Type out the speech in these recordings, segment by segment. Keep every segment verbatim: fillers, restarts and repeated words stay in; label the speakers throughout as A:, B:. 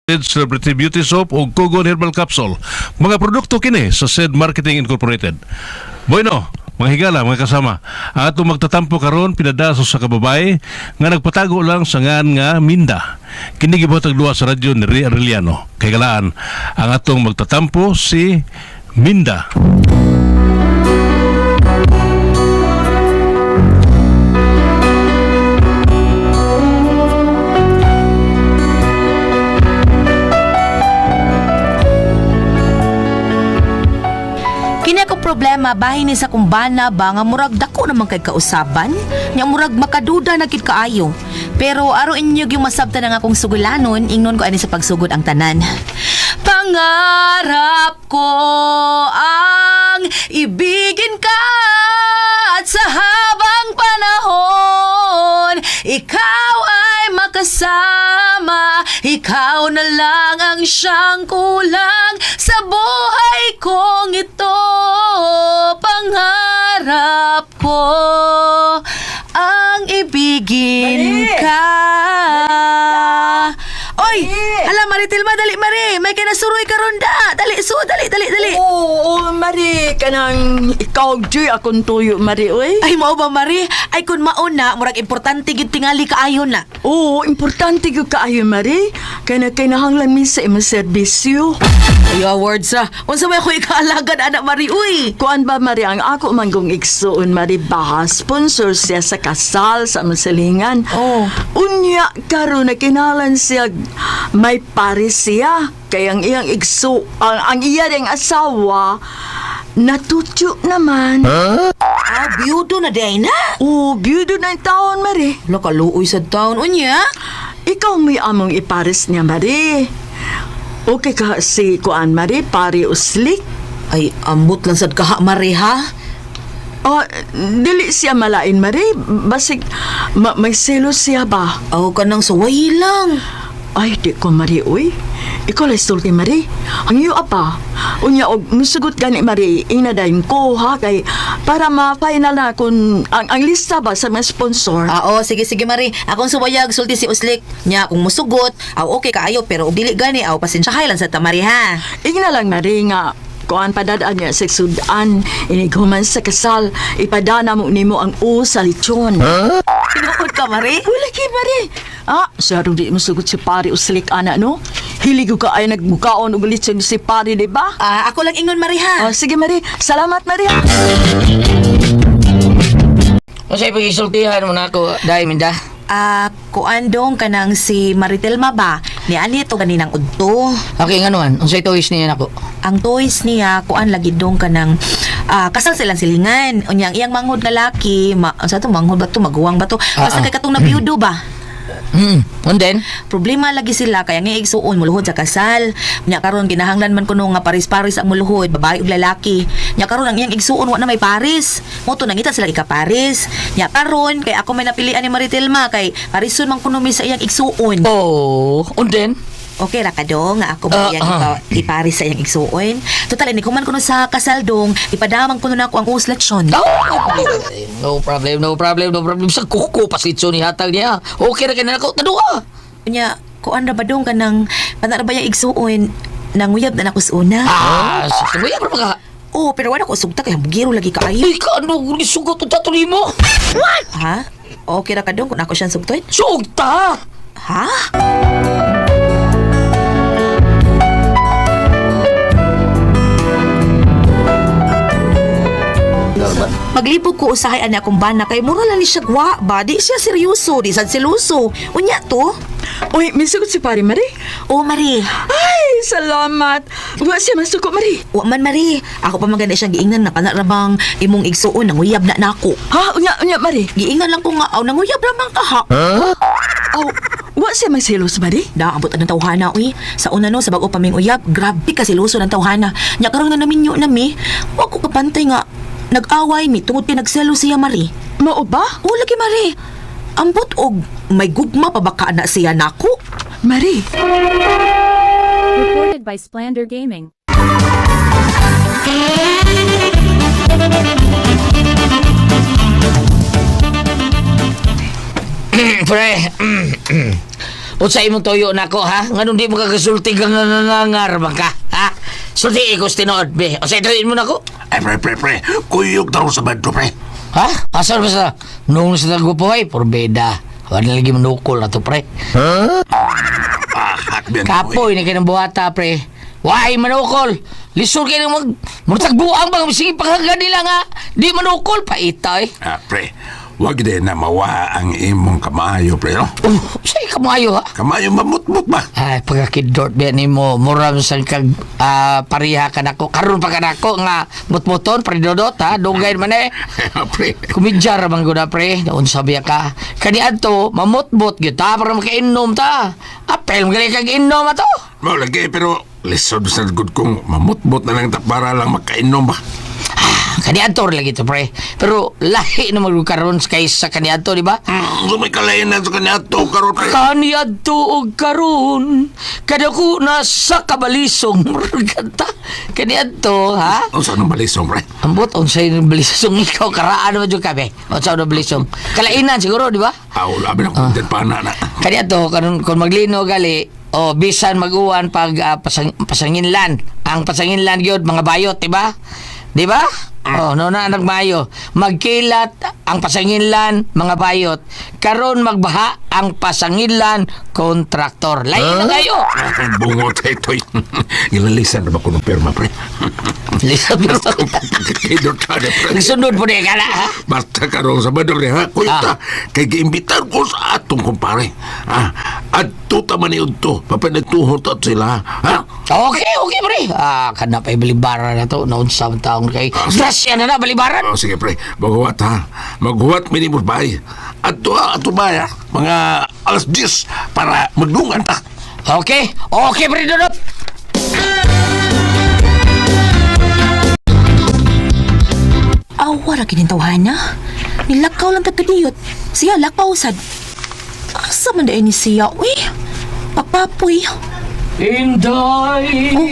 A: Celebrity Beauty Soap o Kogon Herbal Capsule. Mga produkto kini sa S E D Marketing Incorporated. Bueno, mga higala, mga kasama, ang atong magtatampo karon pinadaso sa kababay nga nagpatago lang sa ngan nga Minda. Kini gibuhatag duwa sa radyo ni Ria Arellano. Kay galaan, ang atong magtatampo si Minda.
B: Kini akong problema bahin ni sa kumbana ba nga murag dako naman kay kausaban, nya murag makaduda na gid kaayo. Pero aro inyog yung masabtan ng akong sugulanon, ingnon ko ani sa pagsugod ang tanan. Pangarap ko ang ibigin ka at sa habang panahon ikaw ay makasama, ikaw na lang ang siyang kulang sa buhay kong ito. Pangarap ko ang ibigin
C: Mari!
B: ka. Oy,
C: Mari!
B: hala Maritilma, dali Mari, may kinasuroy ka ronda. Dali, su, dali, dali, dali.
C: Oo, oh, Mari, kanang ikaw di akong tuyo, Mari, oy.
B: Ay, mao ba Mari? Ay, kun mauna, murag importante gid tingali kaayo na.
C: Oo, importante yung kaayo, Mari. Kaya na kinahanglan mi sa imong serbisyo.
B: Ayo, words ah. Unsa may ako ikaalagad, anak Mari, uy.
C: Kuan ba, Mari, ang ako manggong igsuon, Mari, baha, sponsor siya sa kasal sa among silingan.
B: Oh.
C: Unya, karon na kinalan siya, may pares siya. Kaya ang iyang igso, ang, ang iya ring asawa, natutyo naman.
B: Ah, biyudo na day na.
C: Oo, biyudo na yung taon, Mari.
B: Wala kaluoy sa taon, unya.
C: Ikaw may among ipares niya, Mari. Okay ka si Kuan, Mari, pari uslik.
B: Ay, ambot lang sad kaha Mari, ha?
C: Oh, dili siya malain, Mari. Basig, ma- may selos siya ba?
B: Aw ka nang suway lang.
C: Ay, di ko, Mari, uy. Ikaw lang sulti, Mari. Ang iyo, apa. Unya, og musugot gani, Mari, inadayin ko, ha? Kay, para ma-final na kung ang, ang lista ba sa mga sponsor.
B: Ah, oo, sige, sige, Mari. Akong suwayag, sulti si Uslik. Nya, kung musugot, aw okay kaayo, pero ug dili gani, aw pasensyahay lang sa tamari, ha?
C: Ingna lang, Mari, nga kuan padadaan niya sa sudan, inighuman sa kasal, ipadana mo nimo ang u sa lechon.
B: Tinuod ka, Mari?
C: Wala kay Mari. Ah, sarong di mo sugot si pari uslik ana, no? Hiligo ka ay nagmukaon og lechon si pari, di ba?
B: Ah, ako lang ingon, Mari, ha?
C: Oh, sige, Mari. Salamat, Mari.
D: Ano sa'yo pag-isultihan mo na ako, dahil Minda?
B: Ah, kuandong ka nang si Maritelma ba? Ni ani to ganinang udto.
D: Okay, nga naman. Ano sa'yo toys niya ako?
B: Ang toys niya, kuan lagi dong ka nang ah, kasal silang silingan. Unyang iyang manghod lalaki, ma, sa to manghod ba to, maguwang ba to? Basta
D: Ah, ah.
B: kay katong nabiyudo ba?
D: Hmm, and then?
B: Problema lagi sila kaya nga igsuon muluhod sa kasal. Nya karon kinahanglan man kuno nga paris-paris ang muluhod, babae ug lalaki. Nya karon ang iyang igsuon wa na may paris. Mo to nangita sila ika-paris. Nya karon kay ako may napilian ni Maritelma kay parison man kuno mi sa iyang igsuon.
D: Oh, and then?
B: Okay ra ka dong nga ako
D: Ah,
B: ba iyang
D: ah.
B: ipa, iparis sa iyang igsuon. Total ini kuman kuno sa kasal dong, ipadamang kuno nako ang usleksyon.
D: No problem, no problem, no problem. Sa kuko pasitso ni hatag niya. Okay na ka na ako. Tadua!
B: Nya kuan ra ba dong kanang panara ba iyang igsuon nanguyab na nako sa una.
D: Ah, sa mo yan ka.
B: Oh, pero wala ko sugta kay bugiro lagi kaayo.
D: Ay, ka ano, sugot ang tatuloy mo?
B: Ha? Okay ra ka dong kung ako siyang sugtoy?
D: Sugta!
B: Ha? Maglipog ko usahay ani akong bana kay mura lang ni siya gwa ba di siya seryoso di sad seloso unya to.
C: Uy, may sugot si pari, Mari.
B: Oh Mari,
C: Ay, salamat. Wa siya masuko, Mari.
B: wa man Mari, ako pa maganda siyang giingnan na kana ra bang imong igsuon nanguyab na nako.
C: Ha? Unya, unya, Mari.
B: Giingnan lang ko nga aw nanguyab ra man ka ha.
C: Oh, wa siya may selos, Mari.
B: Da abot ang tawhana uy. Sa una no sa bag-o pa ming uyab, grabe ka seloso ng tawhana. Nya karon na naminyo na mi. Wa ko kapantay nga nag-away mi tungod kay nagselo siya Mari.
C: Mao ba?
B: O lagi Mari. Ambot og may gugma pa baka na siya nako.
C: Mari.
E: Recorded by Splander Gaming.
D: Pre, O sa imong toyo nako ha? Nganong di mo kagasulti ka nga nga nga nga raman ka? Ha? Sulti ko sa tinood, be. O sa itoin mo nako.
E: Ay, pre, pre, pre. Kuyog daw sa bando, pre.
D: Ha? Asal ba sa nung sa tagpupoy? Porbeda. Wala lagi manukol na to, pre.
E: Ah, hakbian
D: Kapoy na kayo ng buhata, pre. Why manukol? Lisod kayo ng mag... Murtagbuang bang sige pagkaga nila nga. Di manukol pa ita eh.
E: Ah, pre. Wag din na mawa ang imong kamayo, pre, no?
D: Oh, sa'yo kamayo ha?
E: Kamayo mamut-mut ba?
D: Ay, pagkakidort ba ni mo, muram sa kag ah, pariha ka nako. Karoon pa ka nako nga mutmuton, pridodot ha? Dugay man eh.
E: pre.
D: Kumidjar man gud na pre, daon sabi ka. Kani adto mamutbot gyud ta para makainom ta. Apel mo kag inom ato.
E: Mao lagi, pero lisod sa good kong mamut-mut na lang ta para lang makainom ba?
D: Kani adto lagi to pre. Pero lahi na magkaroon kaysa kani adto, di ba?
E: Hmm, so may kalainan sa kanya to, karon, pre.
D: Kani adto og karon kada ko nasa kabalisong kanta. Kani adto ha?
E: O saan ang balisong, pre?
D: Ambot unsay balisong ikaw karaan mo jud ka be. Unsa na balisong? Kalainan siguro, di ba?
E: Aw, labi na kong din pa na na.
D: Kani adto karon kun maglino gali o bisan mag-uwan pag ah, pasang, pasanginlan. Ang pasanginlan gyud mga bayot, di ba? Di ba? Oh, no na nagmayo. Magkilat ang pasanginlan mga bayot. Karon magbaha ang pasanginlan kontraktor. Lain na kayo.
E: Bungot, ito. Ilalisan na ba ko ng perma, pre?
D: Lisa pero
E: Idot ka na, pre.
D: sunod po niya kala ha.
E: Basta karon sa badong ni ha, kuya,
D: Ah.
E: kay giimbitar ko sa atong kumpare. Ah, adto ta man to, papanagtuhon ta sila, ha?
D: Okay, okay pre. Ah, kana pa balibara na to noon sa taong kay. Grasya na na balibaran.
E: Oh, sige pre, maghuwat ha. Maghuwat minimum bay. Adto ha, adto bay ha. Mga alas diyes para magdungan ta.
D: Okay, okay pre Dodot.
B: Awa ra kinintawhan na. Nilakaw lang tagkadiyot. Siya lakaw sad. Asa man dayon ni siya? Uy, papapoy.
D: Inday.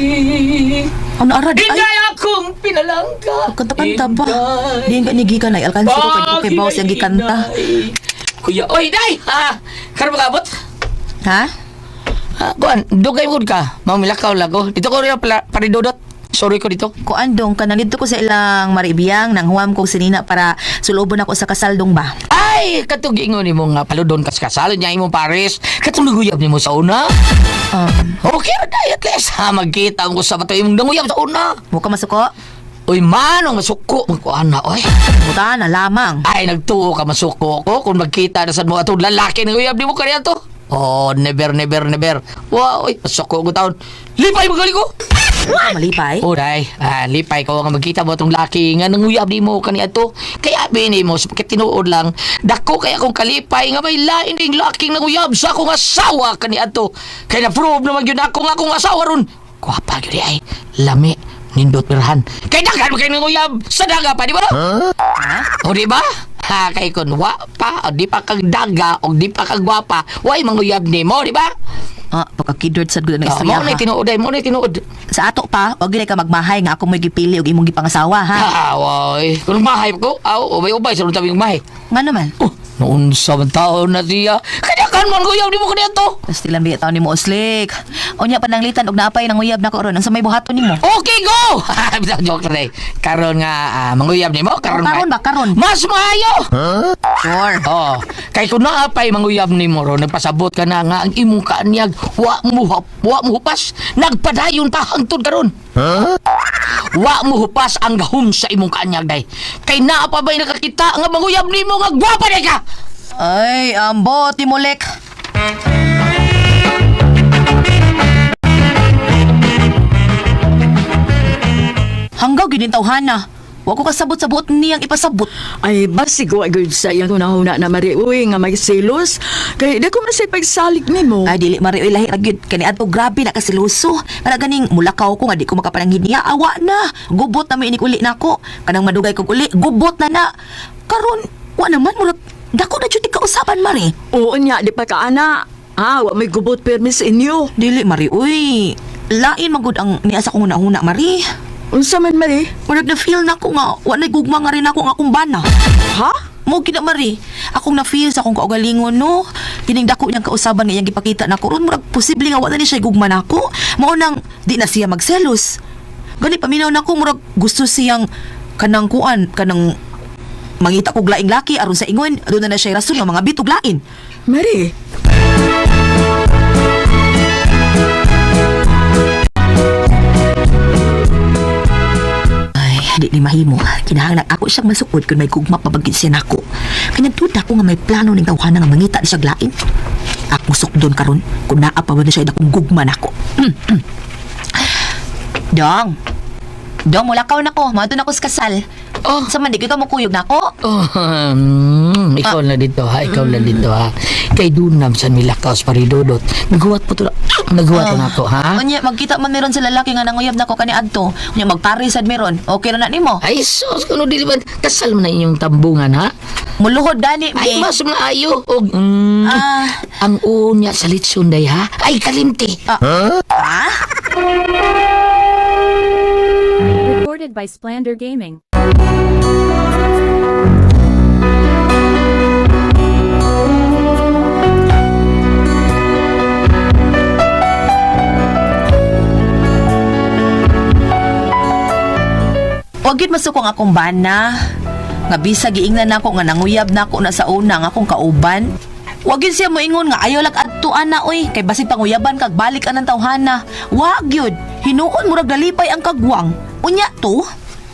B: Ano arad? Ay,
D: Inday akong pinalangka.
B: kanta-kanta ba? Di nga nigikan ay alkansi ko kay Poke Boss yung gikanta.
D: Kuya, oy, day! Ha? Karoon magabot?
B: Ha?
D: Ha? Kuan, dugay mo ka. Mamilakaw lago. Dito ko rin pala, paridodot. Sorry ko dito.
B: Kuandong ka nandito ko sa ilang maribiyang nang huwam kong sinina para sulubon ako sa kasaldong ba?
D: Ay, katugingon ni mo nga paludon kas kasalo niya imong pares. Katuluguyab ni mo sa una.
B: Um,
D: Okay ra day, at least ha, magkita ko sa bato imong danguyab sa una.
B: muka masuko?
D: Uy, manong masuko. Magkuan na, oy.
B: Buta na lamang.
D: Ay, nagtuo ka masuko ko kung magkita na sa mga itong lalaki ng uyab ni mo kaniya to. Oh, never, never, never. Wow, oy, masuko ko taon. Lipay mo gali ko.
B: Muka malipay?
D: O, day, ah, lipay ko nga magkita mo itong laki nga nang uyab ni mo kaniya to. Kaya bini mo, sapagkat tinuod lang, dako kaya kong kalipay nga may lain ding laking nang uyab sa akong asawa kaniya to. Kaya na-prove naman yun ako nga akong asawa ron. Kuwapa yun ay, lami. Nindot pirhan. Kay dagan mo kayo ng uyab sa daga pa, di ba? Huh? O di ba? Ha, kay kun wa pa, o di pa kag daga, o di pa kag gwapa, way manguyab ni mo, di ba?
B: Ah, pagkakidord sa gulo ng
D: Oh,
B: istorya
D: mo na
B: ha.
D: tinuod, ay, mo na tinuod.
B: Sa ato pa, wag gilay ka magmahay nga ako mo'y gipili og imong gipangasawa ha.
D: Ah, way. Kung mahay ko, aw, ubay-ubay, sa tabing mahay.
B: Nga naman.
D: Oh, noon sa taon na siya. Kaya kan man uyab di mo kaniya to.
B: Tapos tilang biya taon ni mo uslik. O niya pananglitan og naapay ng uyab na ko ron. Ang sa may buhaton ni mo.
D: Okay, go! Bisang joke na eh. Karon nga, ah, manguyab ni mo, karon
B: Oh, karon ba, karon?
D: Mas maayo!
B: Sure.
D: Oh, kay kung naapay manguyab ni mo ro, nagpasabot ka na nga ang imong kaanyag, wa mo hap, wa mo hupas, nagpadayon pa hangtod karon. Huh? Wa mo hupas ang gahom sa imong kaanyag day. Kay naa pa ba'y nakakita nga manguyab ni mo nga gwapa day ka?
B: Ay, ambo, timulek. Hanggaw ginin tawhana. Wa ko kasabot-sabot niyang ipasabot.
C: Ay, basig ko agad sa iyang hunahuna na Mari. Uy, nga may silos. Kaya di ko masay pagsalig ni mo.
B: Ay, dili marioy lahi ragyod. Kani ato grabe na kasiluso. Kana ganing mulakaw ko nga di ko makapananghin niya. Awa na. Gubot na may inik uli na ako. Kanang madugay ko uli. Gubot na na. Karon, wa naman murat. Dako na jud kausapan, Mari.
C: Oo niya, di pa ka ana. Ah, wa may gubot permis inyo.
B: Dili, Mari. Uy, lain magud ang niasa kong una-una, Mari.
C: Unsa man Mari?
B: Murag na feel na ko nga, wa na gugma nga rin ako nga akong bana.
C: Ha?
B: Mo gina Mari, akong na-feel sa akong kaugalingon no. Kining dako niyang kausaban nga iyang gipakita nako ron murag posible nga wala ni siya gugma nako. Mao nang di na siya magselos. Gani paminaw nako murag gusto siyang kanang kuan kanang mangita kog laing laki aron sa ingon aduna na siya rason nga mga bitog lain.
C: Marie,
B: Ay, di ni mahimo. Kinahanglan ako siyang masukod kung may gugma pabagid siya nako. Kanya duda ko nga may plano ning tawhana nga mangita ni siya lain. Ako sukdon karon kung naa pa ba na siya akong gugma nako. Dong. Dong, mulakaw na ko. Mato na ko sa kasal.
D: Oh.
B: Sa man, di ka mo kuyog na ko.
D: Oh, um, ikaw na dito ha, ikaw na dito ha. Kay Dunam sa Milakaos Paridodot. Naghuwat po to na. Naghuwat na ako ha.
B: Unya, magkita man meron sa lalaki nga nanguyab na ko kani adto. Unya, magparisad meron. Okay na na nimo.
D: Ay sos, kuno dili ba kasal mo na inyong tambungan ha?
B: Muluhod gani,
D: Ay
B: be.
D: mas maayo og mm,
B: Ah.
D: ang unya sa litsunday ha. Ay kalimti.
B: Ah?
F: Recorded by Splander Gaming.
B: Huwag yun masukong akong bana. Nga bisag giingnan nako nga nanguyab nako na sa una nga akong kauban. Huwag yun siya moingon nga ayaw lag adtuan na oy. Kay basi panguyaban kag balik anang tawhana. Huwag yun. Hinuon murag dalipay ang kagwang. Unya to.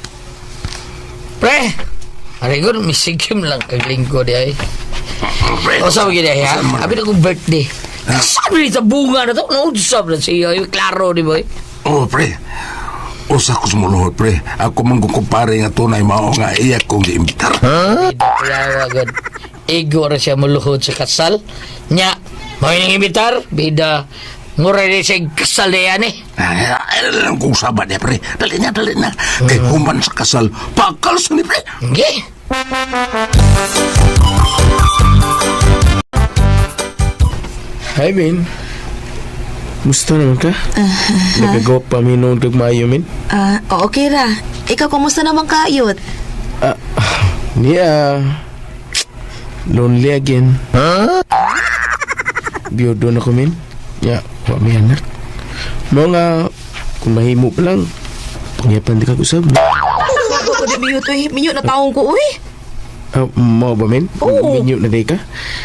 D: Pre. Arigon misigim lang kag linggo di ay.
E: Pre,
D: O sa gid ay ha. Abi na kong birthday. Sabi sa bunga na to. No, sabi na siya. Klaro di boy.
E: oh, pre. Usa ko sumuluhod, pre. Ako man kung kumpare nga tunay mao nga iyak kong giimbitar.
D: Dito kaya agad. Ego ra siya muluhod sa kasal. Nya, mo nang imitar bida ngura rin siya kasal na yan eh.
E: Ay, ay, lang kung sabat niya, pre. Dali na, dali na. Kay human sa kasal, pakal sa ni, pre.
D: Okay.
G: Hi, Min. Musta naman ka? Nagagawa pa minong dagmayo, Min?
B: Ah, okay ra. Ikaw kumusta naman kayot?
G: Ah, niya. Lonely again. Ha? Biyodo na ko, Min. Ya, wa may anak. Mga, kung mahimo pa lang, pangyapan di ka kusab.
B: Ako ko di minyo to, minyo na taong ko uy.
G: Ah, mo ba, Min?
B: Oo.
G: Minyo na di ka?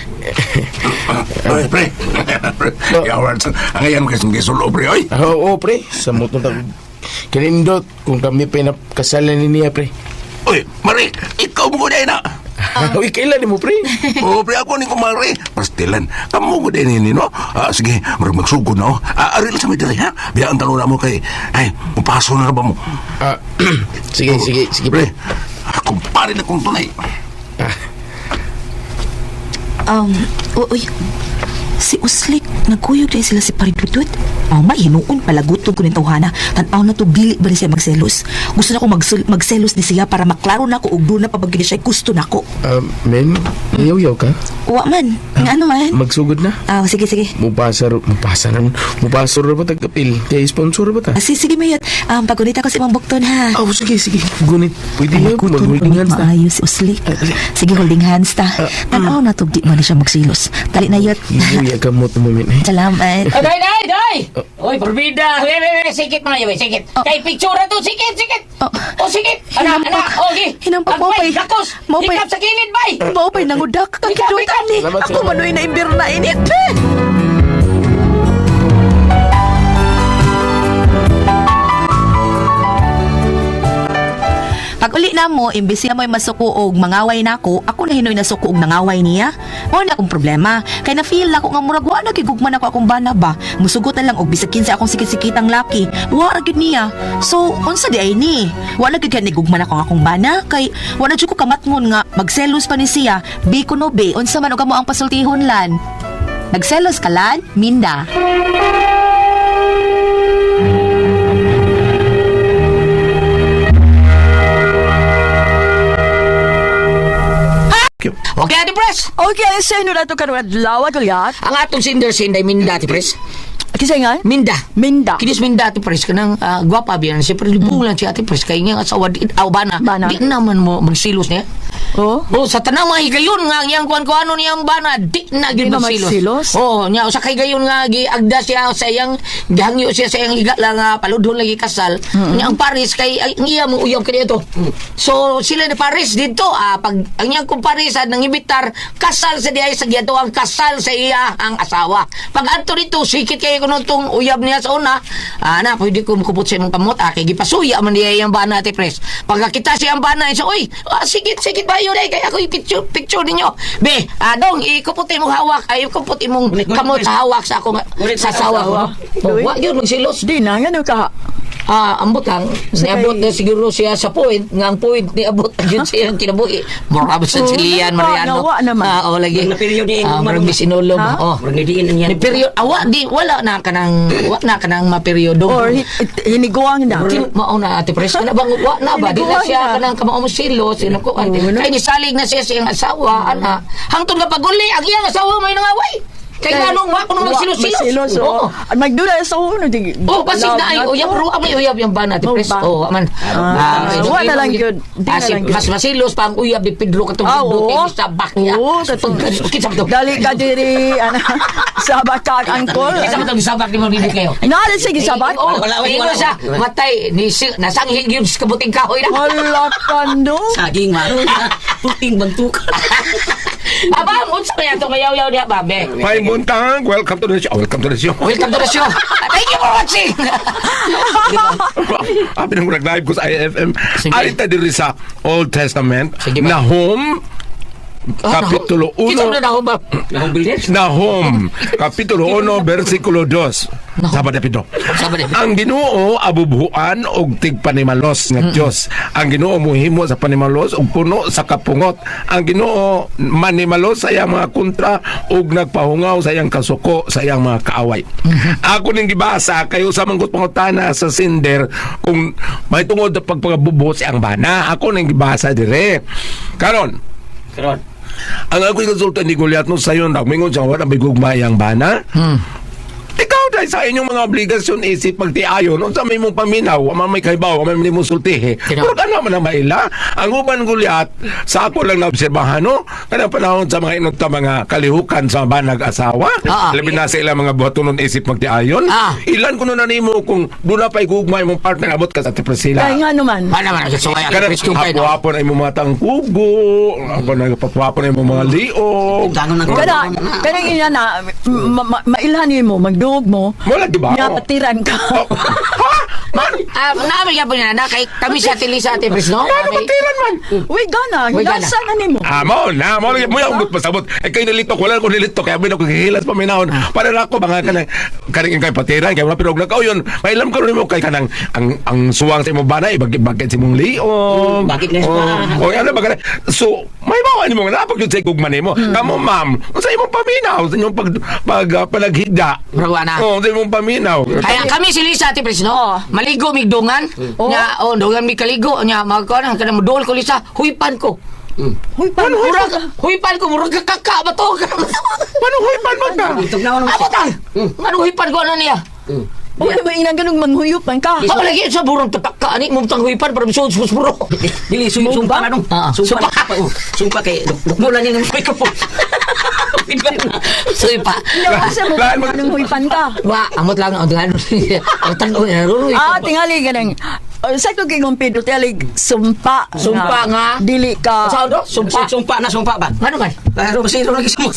E: Ay, pre. Yawan sa, ang ayan kasi mga sulo, pre, oy.
G: Ah, oo, pre. Sa motong tag... Kinindot, kung kami pinakasalan ni niya, pre.
E: Oy, Mari, ikaw mo ko na.
G: Ah, uy, kailan mo, pre?
E: Oo, pre, ako ni kumari. Pastilan, kamu ko din ini, no? Ah, sige, marag magsugod na, oh. Ah, aril sa may dali, ha? Biyaan tanong na mo kay, ay, mapaso na ba mo?
G: Ah, sige, sige, sige, pre.
E: Pre, kumpare na kong tunay.
B: Um, uy, si Uslik, nagkuyog dahil sila si Paridudut. Oh, may hinuon, palaguton ko ng tawhana. Tanaw na to, bili ba na siya magselos? Gusto na ko magsul- magselos ni siya para maklaro na ko ug doon na pabagin siya gusto na ko.
G: Ah, men, yaw-yaw ka?
B: Uwa man, nga ano man?
G: Magsugod na?
B: Ah, sige, sige.
G: Mupasar, mupasar na, mupasar na ba tagapil? Kaya sponsor ba ta?
B: Ah, sige, sige, Mayot. Um, pagunit ako sa imong bukton, ha?
G: Oh, sige, sige. Gunit. Pwede yun.
B: Palaguton ko
G: Mag-holding
B: ng
G: hands na.
B: maayos si Uslik. Sige, holding hands ta. Tanaw na to, di mo na siya magsilos. Tali na, Yot.
G: Ibuya ka mo moment eh.
B: Salamat.
D: Oh, day, day, day! Oy, forbida! Wait, wait, wait, sikit mga yun, sikit.
B: Oh.
D: Kay picture na to, sikit, sikit!
B: Oh.
D: Oh, sikit! Anak,
B: Hinampak.
D: anak, okay.
B: Hinampak mo,
D: Agway,
B: pay.
D: lakos!
B: Mo, pay.
D: Hikap sa kilid, bay!
B: Mao pa'y nangudak ka
D: Ikaw,
B: kidutan ni.
G: Salamat,
B: Ako
G: salamat.
B: manoy na imbir na init. Pag uli na mo, imbis na mo'y masuko og mangaway na ako, ako na hinoy na suko og nangaway niya. Mao na akong problema. Kaya na-feel na ako nga murag wa na gigugman ako akong bana ba. Musugot na lang og bisag kinsa akong sikit-sikitang laki. Wa ra gyud niya. So, unsa di ay ni? Wa na gyud ni gugman ako nga akong bana kay wa na jud ko kamatngon nga magselos pa ni siya. Bi kuno be, unsa man og amo ang pasultihon lan. Nagselos ka lan, Minda.
D: Okay, Ate Pres!
C: Okay, sa inyo na ito karoon lawat ulit.
D: Ang atong sinder-sinday minda, Ate Pres.
C: Kisay nga?
D: Minda.
C: Minda.
D: Kinis Minda ati Pres kanang uh, gwapa biyan siya pero bulan si ati Pres kay nga asawa di aw bana.
C: Bana.
D: Di naman mo magsilos niya.
C: Oh.
D: Oh, sa tanang mga higayon nga yang kuan ko ano niyang bana di na
C: Di
D: gyud
C: na
D: magsilos.
C: magsilos?
D: Oh, nya sa kay gayon nga giagda siya sa iyang gihangyo siya sa iyang higa lang nga paludhon lagi kasal. Nya ang Paris kay ay, ang iya mo uyab kani ito. So sila ni Paris dito ah pag ang iyang kumparis ah, nang ibitar kasal sa diay sa giato ang kasal sa iya ang asawa. Pag adto dito sikit kay kuno tong uyab niya sa una, ah, na pwede ko makupot sa imong kamot ah, kay gipasuya man diay ang bana ati Pres. Pagkakita siya ang bana so oy, ah, sikit sikit ba yun eh kay ako i-picture picture ninyo. Be, ah, dong ikupot imong hawak ay ikupot imong kamot sa hawak sa ako nga sa asawa ko. Oh, wa gyud magsilos.
C: Di na, nga ka.
D: Ah, ambot lang.
C: Sa
D: Niabot
C: kay-
D: na siguro siya sa point. Nga ang point ni abot yun siya ang kinabuhi. Mura ba sa
C: Oh,
D: Chilian,
C: nawa-
D: Mariano?
C: nawa naman.
D: Ah, oh, lagi.
F: Na period ni
D: Ah,
F: Umar-
D: marang bisinulog.
C: Ha?
D: Oh.
F: Murag diin na
D: Ni
F: yan.
D: period. Awa, di, wala na ka nang, wa na ka nang ma-periodo.
C: Or hi- hiniguang na.
D: Kin mao na ate Pres kana bang wa na ba di na
C: Hiniguan
D: siya
C: na.
D: kanang kamao mo silo sino ko
C: Oo, no?
D: kay nisalig na siya sa iyang asawa ana hangtod nga paguli ang iyang asawa may nangaway kay ganong wa kuno magsilos-silos.
C: Magsilos,
D: Oo.
C: oo. Magdula sa uno. di-
D: Oh, basig na ay
C: love
D: uyab
C: to.
D: ro amay uyab yung bana ate
C: Oh,
D: Pres.
C: ba?
D: Oh, man.
C: Ah, wa na lang yun. Di na
D: Ah, si-
C: lang yun.
D: mas masilos pa ang uyab ni Pedro katong
C: Ah,
D: Pedro
C: oo.
D: kay sabak niya.
C: Oo, katong-
D: Kita mo to.
C: Dali ka diri, ano, sabat ka, angkol.
D: Kita mo to sabak ni mo dili kayo.
C: Naalit sige sabat?
D: Oh,
F: Wala, wala,
D: ingon
F: wala.
D: siya matay ni si- nasanghi gyud sa kabuting kahoy na.
C: Wala ka, no?
F: Saging maro na. Puting bantukan.
D: Aba, unsa kaya to kayaw-yaw niya babe?
E: May buntang, welcome to the show. Welcome to the show.
D: Welcome to the show. Thank you for watching.
E: Abi nang nag-live ko sa I F M.
D: Sige.
E: Alita diri sa Old Testament.
D: Sige ba?
E: Nahum, Kapitulo
D: Kita mo
E: uno.
D: na ako ba?
F: Nahong bildes.
E: Nahum, Kapitulo uno, versikulo dos. Sabat na pito.
D: Sabat na pito.
E: Ang Ginoo abubuhan og tigpanimalos nga Dios. Ang Ginoo muhimo sa panimalos og puno sa kapungot. Ang Ginoo manimalos sa iyang mga kontra og nagpahungaw sa iyang kasuko sa iyang mga kaaway. Ako ning gibasa kayo sa manggut pangutana sa Sinder kung may tungod sa pagpagabubuhos ang bana. Ako ning gibasa dire. Karon,
F: Karon.
E: ang ako'y konsulta ni Goliath no sayo nagmingon siya wala may gugmayang bana.
D: Hmm.
E: Ikaw dahil sa inyong mga obligasyon isip pagtiayon no sa may mong paminaw ama may kaibaw ama may mong sultihe
D: Tino.
E: pero ka naman ang maila ang uban Goliath sa ako lang naobserbahan no kanang panahon sa mga inot mga kalihukan sa banag asawa
D: Ah, ah.
E: labi na sa ilang mga buhatonon isip magtiayon
D: Ah.
E: ilan ko na nimo kung doon na pa'y gugmay mong partner abot ka sa Tipresila
C: Kaya nga naman.
D: Mana man sa waya
E: Kanang
D: Chris kung kayo.
E: hapon ay mga matang kubo, ako na papapon ay mga liog.
F: Gano'n na
C: Kada, kanang ina na, ma- ma- mailhanin mo, magduog mo,
E: Wala di ba?
C: nga patiran ka.
E: Oh, ha? Man,
D: Ah, namin ka po niya na kay kami sa Tilisa Ate Pres no.
E: ano
D: Kami-
E: matiran man?
C: Uy, gana,
D: Uy, gana.
C: hilasa na nimo.
E: Ah, mo na, mo na, mo yung ugot pasabot. Eh, kayo nalitok, wala ko nalitok, kaya bin ako kihilas pa minahon. Para na ako, mga kanang, kanang kay patiran, kaya mga pirog na kao yun. May alam ka rin mo kay kanang, ang, ang suwang sa imong banay, bagit-bagit sa imong liog.
F: Bagit na
E: Oh,
F: sa-
E: oh, ano ba ka So, may bawa niyo mga napag yun sa ikugman mo. Kamo, ma'am, sa imong paminaw, sa inyong pag, pag, uh, panaghigda.
D: Bro, ana.
E: Oh, sa imong paminaw.
D: Kaya kami si Lisa Ate Pres no.
C: Oo.
D: Maligo mig dungan. Nya oh dungan mi kaligo nya magkuan kanang modol ko Lisa, huipan ko.
C: Uy, paano?
D: Murag huipan ko murag kakaka ba to?
E: Paano huipan mo ka?
F: Itog na ako naman.
D: Abot ang. Ano huipan ko ano niya?
C: Uy, ba inang ganung manghuyupan ka?
D: Ako lagi sa burong tatak ka ani mo tang huipan para bisod sus buro.
F: Dili, su- sumpa na nung.
D: Ah,
F: Sumpa.
D: sumpa.
F: Oh, Sumpa kay Dukdulan niya ng microphone.
D: Suipa.
C: Kasi mo,
E: Lahat mo-
C: anong huyupan ka?
D: Wa amot lang ang dungan. Ang tanong niya ruruy.
C: Ah, tingali ka nang, uh, sa ko kay Pedro, tingali, sumpa.
D: Sumpa nga.
C: Dili ka.
D: Sa do? Sumpa.
F: Sumpa na, sumpa ba?
D: Ano man?
F: Laro, masiro lagi sa mo.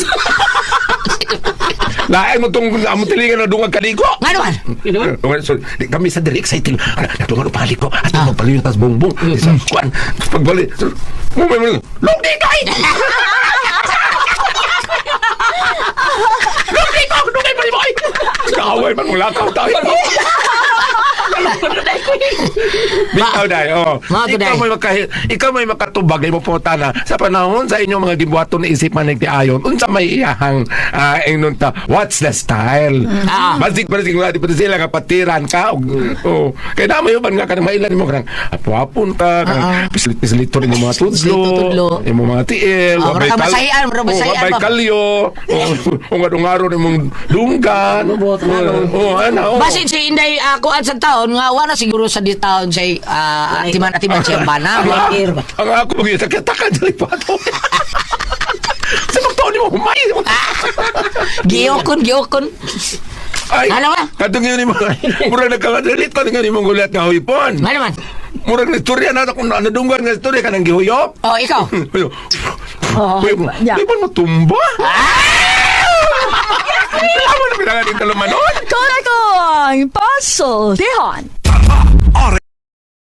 E: Lain mo tong amo tilingan na dungag kaligo.
D: Ano man?
E: Okay, so, di- kami sa diri excited. Ano, natungan pa ko. At mo pala yung tas bongbong. Sa kuan. Pagbali. so, Mo may mo. Long di kay. Long di ko, dugay pa ni boy. Kaaway man mula ka tayo. Bitaw day, oh.
D: Mga to,
E: Ikaw
D: day.
E: may maka ikaw may makatubag mo po na sa panahon sa inyong mga gibuhaton na isipan ng tiayon unsa may iyahang uh, ingnon ta what's the style.
D: Ah.
E: Basig basig nga di pa sila nga patiran ka og oh. Kay na may uban nga kanang mailan mo kanang apo-apon ka kanang pislit-pislito rin yung mga
D: Pislit-tudlo.
E: tudlo, yung mga tiil,
D: Oh, mura ka masahian, mura masahian
E: may
D: ba?
E: kalyo, o nga dungaro ni mong dunggan. Oh, ano, oh.
D: Basin si Inday ako at sa taon nga wala siguro sa di taon sa uh, atiman-atiman siya bana.
F: Lakir ba?
E: Ang ako mga sakitakan sa ipato. Sa magtaon ni mo, humay.
D: Giyokon, giyokon.
E: Ay,
D: Ano ba?
E: kadung yun ni mo. Murag nagkakadalit ko nga ni mong gulat nga huipon.
D: Ano man?
E: Murag na istorya na kung nadunggan nga istorya ka nang gihuyop.
D: Oh, ikaw.
E: Ayo.
C: Oh, yeah.
E: Di ba mo tumba? Alam mo na pinanganin talo manon?
C: Correct ko ang puzzle. Dihon.